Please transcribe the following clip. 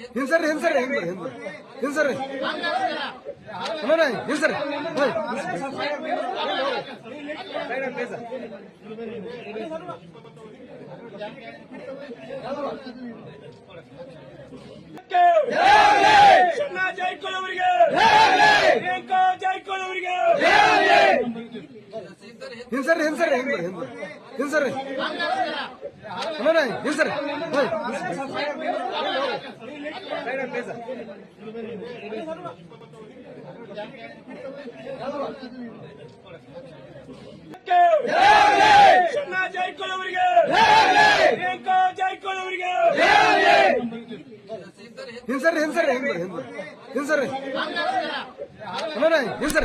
ಹಿಂಸರ್ರಿ ಹಿಂಸರ್ರಿ ಹಿಂಸರ್ರಿ ಅಣ್ಣ ಹಿಂಸರ್ರಿ ಹಿಂಸರ್ರಿ ಹಿಂಸರ್ರಿ ಹಿಂಸರ್ರಿ ಅಣ್ಣ ಹಿಂಸರ್ರಿ ಹಿಂಸರ್ರಿ ಹಿಂಸರ್ರಿ ಹಿಂಸರ್ರಿ ಅಣ್ಣ ಹಿಂಸರ್ರಿ